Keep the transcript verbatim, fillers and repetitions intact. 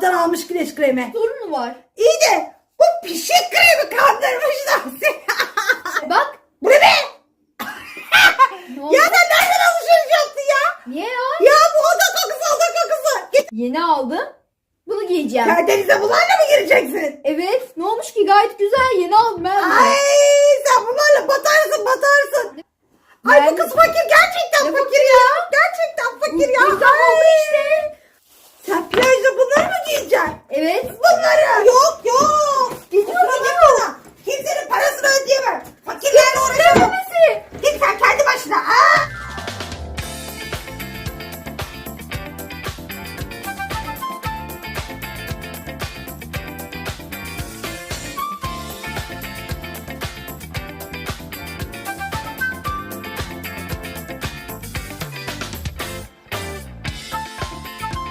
Sabahtan almış güneş kremi. Sorun mu var? İyi de bu pişik kremi kandırmışlar seni. Bak. Bu ne be? Ne oldu? Ya sen nereden alışveriş yaptın ya? Niye ya? Ya bu oda kokusu oda kokusu. Git Yeni aldım. Bunu giyeceğim. denize bunlarla mı gireceksin? Evet. Ne olmuş ki? Gayet güzel. Yeni aldım ben. de. Ay sen bunlarla batarsın batarsın. Ay bu Ben- kız